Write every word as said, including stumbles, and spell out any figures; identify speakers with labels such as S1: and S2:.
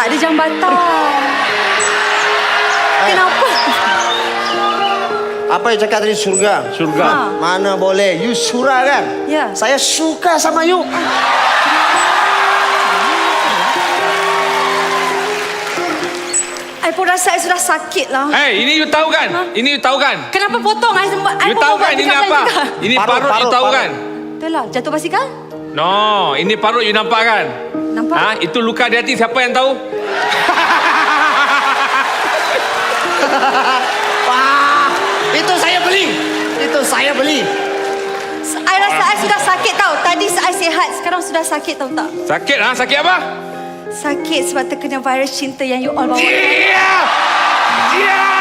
S1: Tak ada jambatan. Kenapa?
S2: Apa yang cakap tadi surga?
S3: Surga.
S1: Ha.
S2: Mana boleh? You surah kan?
S1: Ya.
S2: Saya suka sama you.
S1: I pun rasa I sudah sakit lah.
S3: Eh, ini you tahu kan?
S1: Ha?
S3: Ini you tahu kan?
S1: Kenapa potong? I, I
S3: You
S1: pun
S3: tahu
S1: buat
S3: kan ini
S1: dekat
S3: apa?
S1: juga.
S3: Ini
S2: Parut,
S3: parut, you
S2: parut,
S3: tahu
S2: parut.
S3: kan?
S1: Betul lah. Jatuh basikal?
S3: No, ini parut you nampak kan?
S1: Nampak?
S3: Ha, itu luka di hati siapa yang tahu?
S2: Wah, itu saya beli. Itu saya beli.
S1: I rasa I sudah sakit tau. Tadi I sihat. Sekarang sudah sakit tau tak?
S3: Sakit ha? Sakit apa?
S1: Sakit sebab terkena virus cinta yang you all bawa.
S3: Yeah! Yeah!